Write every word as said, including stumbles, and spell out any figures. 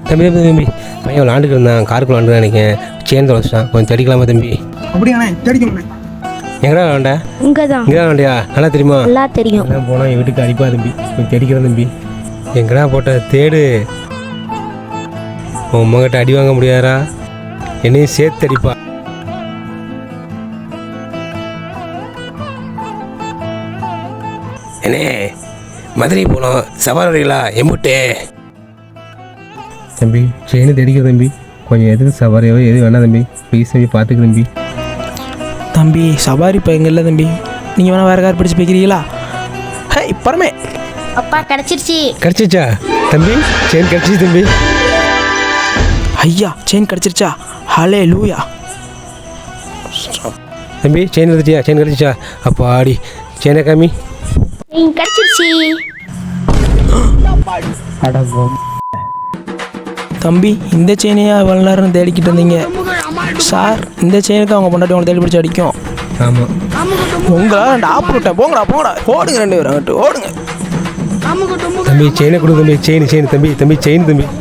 தம்பி தம்பி தம்பி பையன் விளாண்டுக்கு இருந்தான், காருக்கு விளாண்டு நினைக்கிறேன், செயின் தொலைச்சிட்டான், கொஞ்சம் தேடிக்கலாமா தம்பி? அப்படியாண்ணே, தேடிக்கோண்ணே. எங்கடா விளாண்ட? இங்கே தான். இங்கே தான் விளாண்டியா? நல்லா தெரியுமா? நல்லா தெரியும். எல்லாம் போனால் என் வீட்டுக்கு அடிப்பா தம்பி, கொஞ்சம் தேடிக்கிறேன் தம்பி. எங்கடா போட்ட தேடு, உன் அம்மாக்கிட்ட அடி வாங்க முடியாதா? என்னையும் சேர்த்து அடிப்பா. என்னே மதுரை போனோம், சவாரி வரீங்களா? எம்புட்டே தம்பி, செயின் தேடிக்கிற தம்பி, கொஞ்சம் எது சவாரியோ எது வேணா தம்பி, ப்ளீஸ் தம்பி பார்த்துக்க தம்பி. தம்பி சவாரி பையங்க இல்லை தம்பி, நீங்கள் வேணால் வேறு கார் பிடிச்சி போய்க்கிறீங்களா? ஹே இப்பறமே அப்பா கிடச்சிருச்சு. கிடச்சிச்சா தம்பி? செயின் கிடச்சிச்சு தம்பி. ஐயா செயின் கிடச்சிருச்சா? ஹலே லூயா. தம்பி செயின் எடுத்துட்டியா? செயின் கிடச்சிச்சா? அப்போ ஆடி செயினை காமி. கிடச்சிருச்சு. தம்பி இந்த செயினையா இவ்வளோ நேரம் தேடிக்கிட்டு இருந்தீங்க சார்? இந்த செயினுக்கு அவங்க பொண்டாட்டி உங்களை தேடி பிடிச்சி அடிக்கும். ஆமாம். உங்களா ரெண்டு ஆப்பு விட்டேன், போங்கடா போங்கடா, ஓடுங்க ரெண்டு பேரும் அங்கிட்டு ஓடுங்க. தம்பி செயினை கொடு தம்பி, செயின் செயின் தம்பி, தம்பி செயின் தம்பி.